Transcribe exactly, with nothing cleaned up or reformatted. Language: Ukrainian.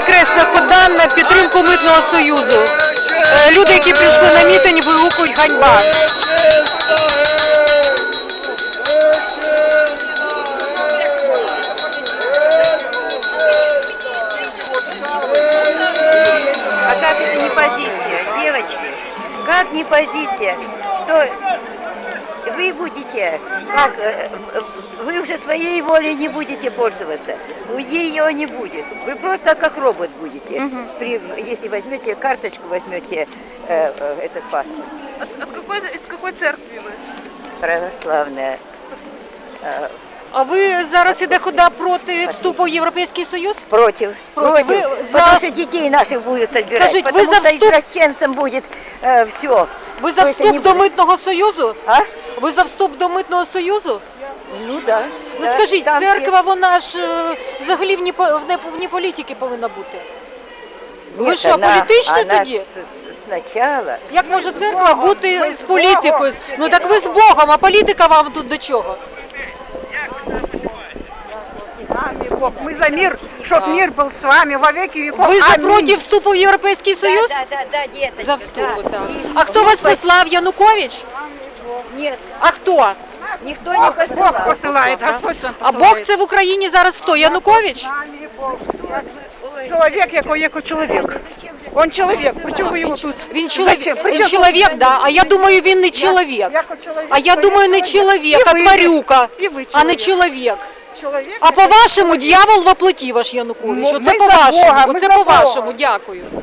Хресна хода на підтримку Митного Союзу. Люди, які прийшли на мітинг, вигукують ганьба. А как это не позиция, девочки? Как не позиция, что вы будете, как вы уже своей волей не будете пользоваться, ее не будет. Вы просто как робот будете, угу. При, если возьмете карточку, возьмете э, э, этот паспорт. От, от какой, из какой церкви вы? Православная. Э, А ви зараз іде хода проти вступу в Європейський Союз? Против. Против. Против. Вы Потому за... что детей наших будут отбирать. Скажите, потому вы за что вступ... извращенцам будет э, все. Ви за вступ до будет... Митного Союзу? А? Ви за вступ до Митного Союзу? Ну да. Ну да, скажіть, церква, всі... вона ж е, взагалі вні, вне, вні політики повинна бути. Нет, ви що, она, політичні она тоді? С, с, сначала. Як може церква бути з політикою? Ну так ви з Богом, а політика вам тут до чого? Бог. Мы за мир, чтоб да. Мир был с вами во веки веков. Ви за проти вступу в Європейський Союз? Да, да, да, да, деточки, за вступ, да. так. А хто вас послав, Янукович? Нет. А хто? Ніхто не посилає. Бог посилає, Господь сам А посилає. Бог це в Україні зараз хто? Янукович? Чоловік, який як чоловік. Он чоловік, причому ви його тут? Він чоловік, він чоловік, да, а я думаю, він не чоловік. А я думаю, не чоловік, а тварюка, а не чоловік. Чоловік? А по-вашому, дьявол во плоті ваш Янукович. Оце по-вашому, оце по-вашому, дякую.